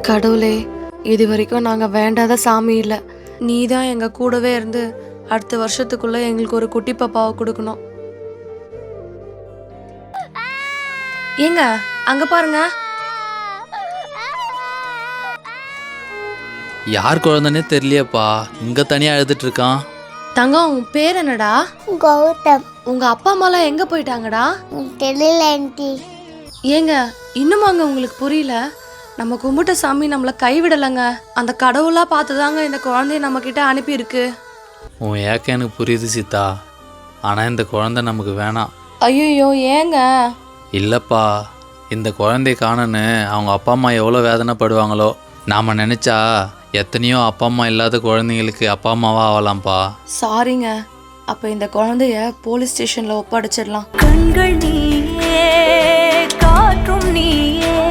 கடவுளே, இது வரைக்கும் நாங்கள் வேண்டாத சாமி இல்லை. நீ தான் எங்கள் கூடவே இருந்து அடுத்த வருஷத்துக்குள்ளே எங்களுக்கு ஒரு குட்டி பாப்பாவை கொடுக்கணும். ஏங்க அங்கே பாருங்க. யார் குழந்தைனே தெரியலையப்பா, இங்கே தனியாக அழுதுட்டு இருக்கான். தங்கம், உன் பேர் என்னடா? கௌதம். உங்க அப்பா அம்மாலாம் எங்க போயிட்டாங்கடா? தெரியல ஆண்டி. ஏங்க இன்னுமாங்க உங்களுக்கு புரியல? நம்ம கும்பிட்ட சாமி நம்மளை கைவிடலைங்க. அந்த கடவுளா பார்த்துதாங்க இந்த குழந்தைய நம்ம கிட்ட அனுப்பியிருக்கு. உன் ஏக்க எனக்கு புரியுது சீதா, ஆனால் இந்த குழந்தை நமக்கு வேணாம். ஐயோ ஏங்க? இல்லைப்பா, இந்த குழந்தைய காணன்னு அவங்க அப்பா அம்மா எவ்வளோ வேதனைப்படுவாங்களோ. நாம் நினச்சா எத்தனையோ அப்பா அம்மா இல்லாத குழந்தைங்களுக்கு அப்பா அம்மாவா ஆகலாம்ப்பா. சாரிங்க. அப்போ இந்த குழந்தைய போலீஸ் ஸ்டேஷனில் ஒப்படைச்சிடலாம். கண்கள் நீயே, காற்றும் நீயே.